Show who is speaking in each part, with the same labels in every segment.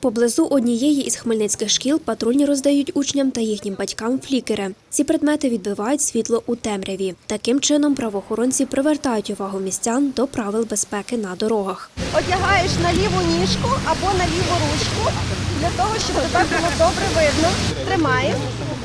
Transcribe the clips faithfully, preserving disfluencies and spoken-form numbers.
Speaker 1: Поблизу однієї із хмельницьких шкіл патрульні роздають учням та їхнім батькам флікери. Ці предмети відбивають світло у темряві. Таким чином правоохоронці привертають увагу містян до правил безпеки на дорогах.
Speaker 2: Одягаєш на ліву ніжку або на ліву ручку, для того, щоб тебе було добре видно. Тримаєш.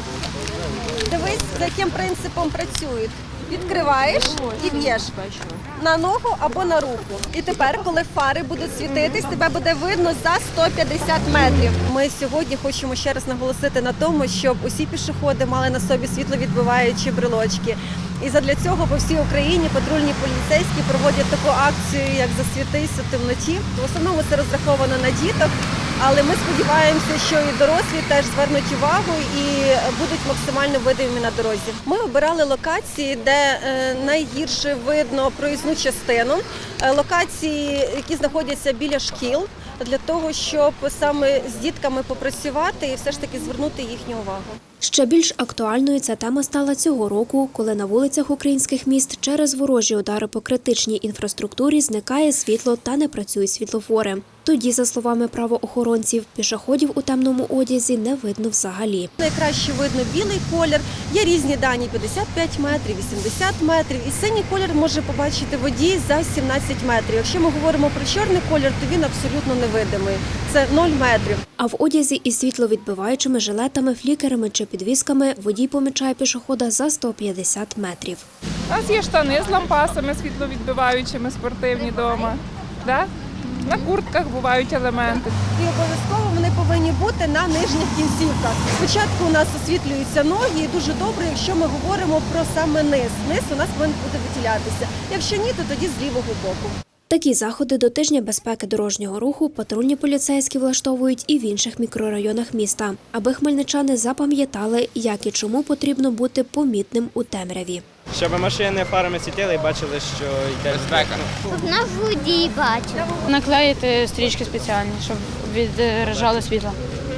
Speaker 2: Дивись, за яким принципом працюють. Відкриваєш і б'єш на ногу або на руку. І тепер, коли фари будуть світитись, тебе буде видно за сто п'ятдесят метрів. Ми сьогодні хочемо ще раз наголосити на тому, щоб усі пішоходи мали на собі світловідбиваючі брелочки. І задля цього по всій Україні патрульні поліцейські проводять таку акцію, як «Засвітись у темноті». В основному це розраховано на діток, але ми сподіваємося, що і дорослі теж звернуть увагу і будуть максимально видимі на дорозі. Ми обирали локації, де найгірше видно проїзну частину, локації, які знаходяться біля шкіл, для того, щоб саме з дітками попрацювати і все ж таки звернути їхню увагу.
Speaker 1: Ще більш актуальною ця тема стала цього року, коли на вулицях українських міст через ворожі удари по критичній інфраструктурі зникає світло та не працюють світлофори. Тоді, за словами правоохоронців, пішоходів у темному одязі не видно взагалі.
Speaker 2: Найкраще видно білий колір, є різні дані – п'ятдесят п'ять метрів, вісімдесят метрів. І синій колір може побачити водій за сімнадцять метрів. Якщо ми говоримо про чорний колір, то він абсолютно невидимий – це нуль метрів.
Speaker 1: А в одязі із світловідбиваючими жилетами, флікерами чи підвісками водій помічає пішохода за сто п'ятдесят метрів.
Speaker 3: У нас є штани з лампасами світловідбиваючими, спортивні вдома. Да? На куртках бувають елементи.
Speaker 2: І обов'язково вони повинні бути на нижніх кінцівках. Спочатку у нас освітлюються ноги, і дуже добре, якщо ми говоримо про саме низ. Низ у нас повинен бути виділятися. Якщо ні, то тоді з лівого боку.
Speaker 1: Такі заходи до тижня безпеки дорожнього руху патрульні поліцейські влаштовують і в інших мікрорайонах міста, аби хмельничани запам'ятали, як і чому потрібно бути помітним у темряві.
Speaker 4: Щоб машини фарами світили і бачили, що йде безпека.
Speaker 5: Щоб на водій бачив.
Speaker 6: Наклеїти стрічки спеціальні, щоб відражали світло.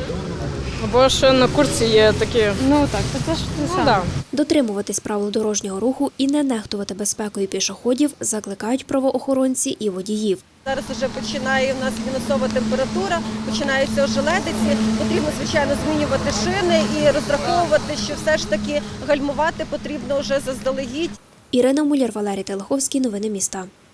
Speaker 7: Бо ж на куртці є такі.
Speaker 6: Ну так, це ж те саме.
Speaker 7: Ну, да.
Speaker 1: Дотримуватись правил дорожнього руху і не нехтувати безпекою пішоходів закликають правоохоронці і водіїв.
Speaker 2: Зараз вже починає в нас мінусова температура, починаються ожеледиці. Потрібно, звичайно, змінювати шини і розраховувати, що все ж таки гальмувати потрібно вже заздалегідь.
Speaker 1: Ірина Муляр, Валерій Телеховський. Новини міста.